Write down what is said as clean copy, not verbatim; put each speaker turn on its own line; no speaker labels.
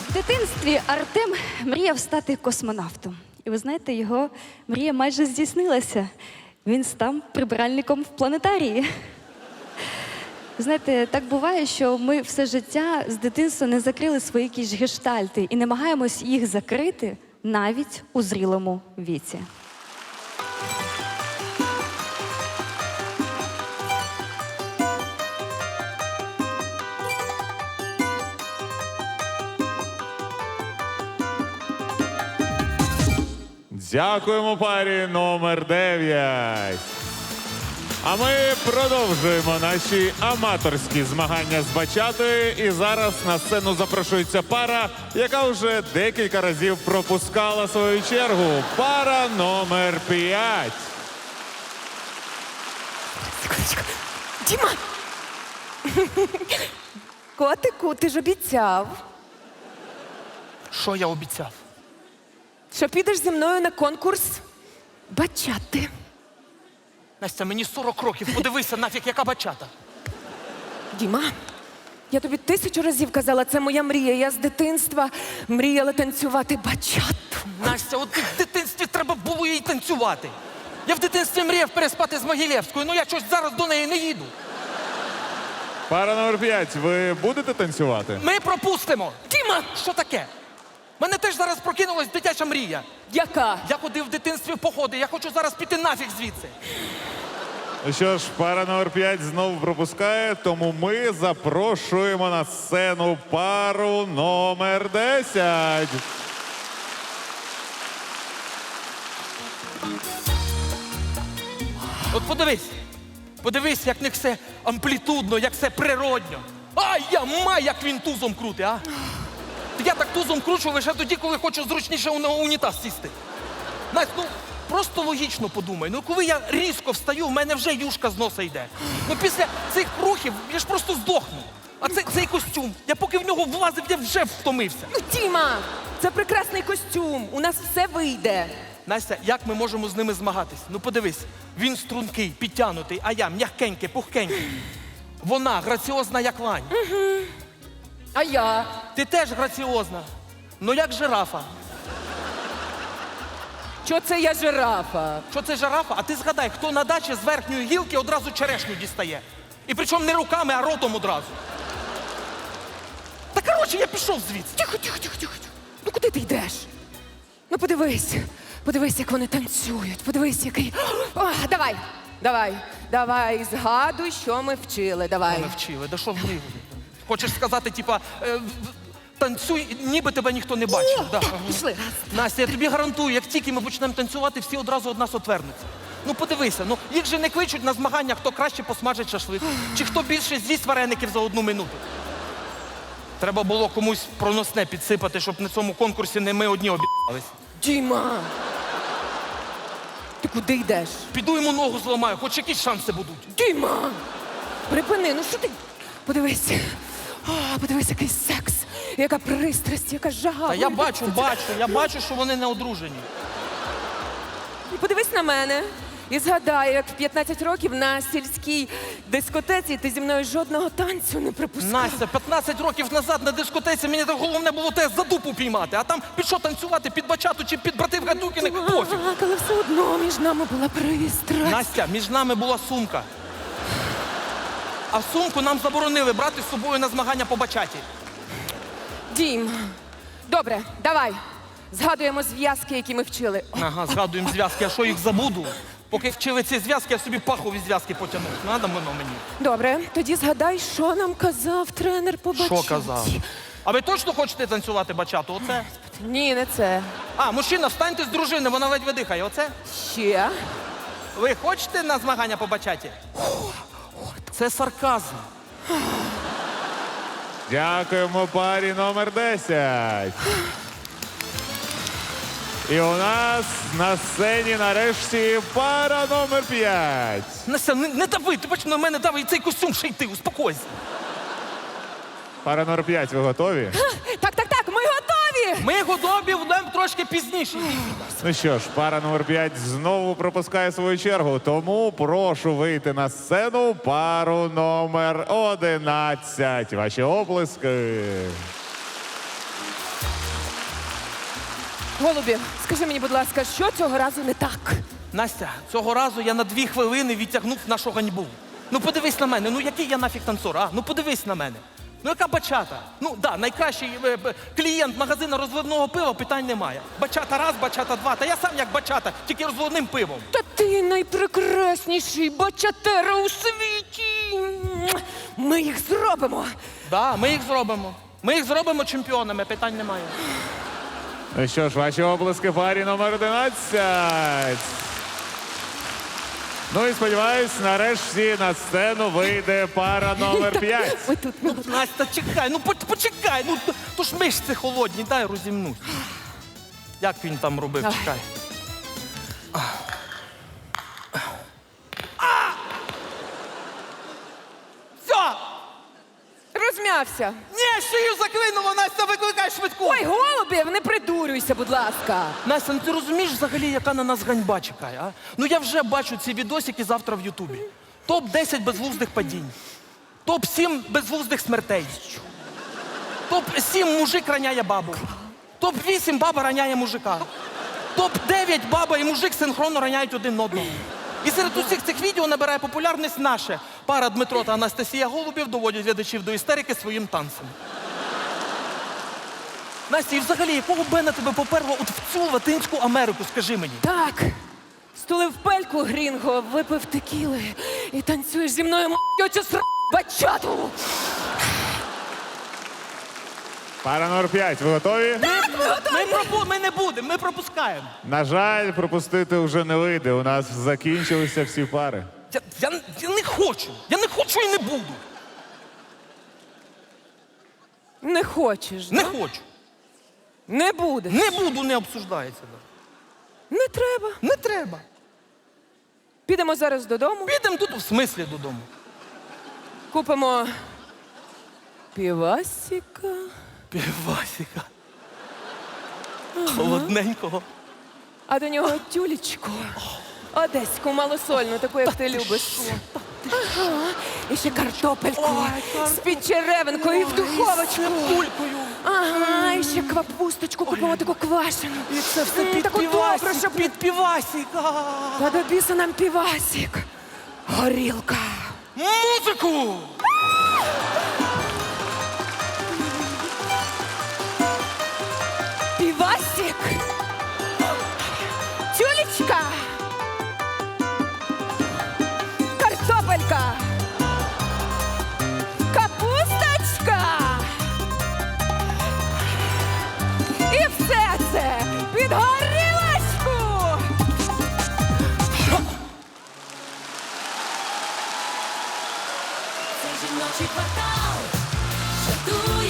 В дитинстві Артем мріяв стати космонавтом. І ви знаєте, його мрія майже здійснилася. Він став прибиральником в планетарії. Знаєте, так буває, що ми все життя з дитинства не закрили свої якісь гештальти і намагаємось їх закрити навіть у зрілому віці.
Дякуємо парі номер 9. А ми продовжуємо наші аматорські змагання з бачатою. І зараз на сцену запрошується пара, яка вже декілька разів пропускала свою чергу. Пара номер 5.
Секундочку. Діма! Котику, ти ж обіцяв,
Що я обіцяв?
що підеш зі мною на конкурс бачати.
Настя, мені 40 років, подивися нафіг, яка бачата.
Діма, я тобі 1000 разів казала, це моя мрія. Я з дитинства мріяла танцювати бачату.
Настя, от в дитинстві треба було їй танцювати. Я в дитинстві мріяв переспати з Могилєвською, ну я щось зараз до неї не їду.
Пара номер 5. Ви будете танцювати?
Ми пропустимо. Діма, що таке? Мене теж зараз прокинулась дитяча мрія.
Яка?
Я ходив в дитинстві в походи, я хочу зараз піти нафіг звідси.
Ну що ж, пара номер 5 знову пропускає, тому ми запрошуємо на сцену пару номер 10.
От подивись, як в них все амплітудно, як все природньо. Ай, я май, як він тузом крути, а? Я так тузом кручу лише тоді, коли хочу зручніше на унітаз сісти. Настя, ну просто логічно подумай. Ну коли я різко встаю, в мене вже юшка з носа йде. Ну після цих рухів я ж просто здохну. А цей костюм, я поки в нього влазив, я вже втомився.
Ну, Діма, це прекрасний костюм. У нас все вийде.
Настя, як ми можемо з ними змагатись? Ну подивись, він стрункий, підтянутий, а я м'ягкенький, пухкенький. Вона граціозна, як лань.
А я?
Ти теж граціозна, ну як жирафа.
Що це я жирафа?
Що це жирафа? А ти згадай, хто на дачі з верхньої гілки одразу черешню дістає. І причому не руками, а ротом одразу. Та коротше, я пішов звідси.
Тихо. Ну куди ти йдеш? Ну подивись, як вони танцюють. Подивись, який. О, давай, згадуй, що ми вчили. Давай.
Мене вчили, да що в них? Хочеш сказати, типа, танцюй, ніби тебе ніхто не бачив. Да.
Пішли.
Настя, я тобі гарантую, як тільки ми почнемо танцювати, всі одразу від нас отвернуться. Ну подивися, ну їх же не кличуть на змагання, хто краще посмажить шашлик, чи хто більше з'їсть вареників за 1 минуту. Треба було комусь проносне підсипати, щоб на цьому конкурсі не ми одні об'їбались.
Діма! Ти куди йдеш?
Піду йому ногу зламаю, хоч якісь шанси будуть.
Діма! Припини, ну що ти? Подивись. Подивись, який секс, яка пристрасть, яка жага.
Та я бачу, що вони не одружені.
І подивись на мене. І згадай, як в 15 років на сільській дискотеці ти зі мною жодного танцю не припускав.
Настя, 15 років назад на дискотеці мені так головне було тебе за дупу піймати, а там під що танцювати, під бачату чи під братів Гадюкіних, пофіг.
Так, але все одно між нами була пристрасть.
Настя, між нами була сумка. А сумку нам заборонили брати з собою на змагання по бачаті.
Дім, добре, давай. Згадуємо зв'язки, які ми вчили.
Ага, згадуємо зв'язки, а що їх забуду? Поки вчили ці зв'язки, я собі пахові зв'язки потягнув. Надо воно мені.
Добре, тоді згадай, що нам казав тренер по бачаті.
Що казав? А ви точно хочете танцювати бачату? Оце?
Ні, не це.
А, мужчина, встаньте з дружини, вона ледь дихає. Оце?
Ще?
Ви хочете на змагання по бачаті? Це сарказм.
Дякуємо парі номер 10. І у нас на сцені нарешті пара номер 5.
Настя, не дави, ти бачиш, на мене дави і цей костюм ще йти, успокойся.
Пара номер 5, ви готові?
Так, ми готові!
Ми готові будемо трошки пізніше.
Ну що ж, пара номер 5 знову пропускає свою чергу, тому прошу вийти на сцену пару номер 11. Ваші оплески.
Голубів, скажи мені, будь ласка, що цього разу не так?
Настя, цього разу я на 2 хвилини відтягнув нашу ганьбу. Ну подивись на мене, ну який я нафіг танцор, а? Ну подивись на мене. Ну яка бачата? Ну да, найкращий клієнт магазину розливного пива, питань немає. Бачата раз, бачата два. Та я сам як бачата, тільки розливним пивом.
Та ти найпрекрасніший бачатера у світі. Ми їх зробимо.
Да, ми їх зробимо. Ми їх зробимо чемпіонами, питань немає.
Ну що ж, ваші обласки парі номер 11. Ну і сподіваюсь, нарешті на сцену вийде пара номер 5.
Ви тут.
Ну, Настя, чекай, ну почекай, ну то ж мишці холодні, дай розімнусь. Як він там робив,
Давай.
чекай. Все!
Розм'явся.
Ні, шию заклинуло, Настя, викликай швидку!
Ой, Голубів, не придурюйся, будь ласка.
Настя, ну ти розумієш взагалі, яка на нас ганьба чекає, а? Ну я вже бачу ці відосики завтра в Ютубі. Топ-10 безглуздих падінь. Топ-7 безглуздих смертей. Топ-7 мужик раняє бабу. Топ-8 баба раняє мужика. Топ-9 баба і мужик синхронно раняють один одного. І серед усіх цих відео набирає популярність наше. Пара Дмитро та Анастасія Голубів доводять глядачів до істерики своїм танцем. Настя, і взагалі, якого бена тебе поперло от в цю Латинську Америку, скажи мені?
Так. Стулив пельку, Грінго, випив текіли і танцюєш зі мною оцю бачату.
Пара номер 5. Ви готові?
Ми не будемо, ми пропускаємо.
На жаль, пропустити вже не вийде. У нас закінчилися всі пари.
Я не хочу. Я не хочу і не буду.
Не хочеш,
Не
да?
хочу.
Не будеш.
Не буду, не обсуждається.
Не треба.
Не треба.
Підемо зараз додому,
Підемо тут в смислі додому.
купимо півасика.
Півасика. Холодненького.
А до нього тюлечку. Одеську малосольну, таку, як ти любиш. Ага. І ще картопельку з підчеревинкою і в духовочку.
Пулькою.
Ага, і ще квапусточку купимо таку квашену.
І це все під
таку добру,
півасик,
щоб...
під півасика.
Та до біса нам півасик. Горілка.
Музику!
Півасик. Тюлечка. Картопелька. Капусточка. І все це під горілочку.
Це жіночий квартал, що дує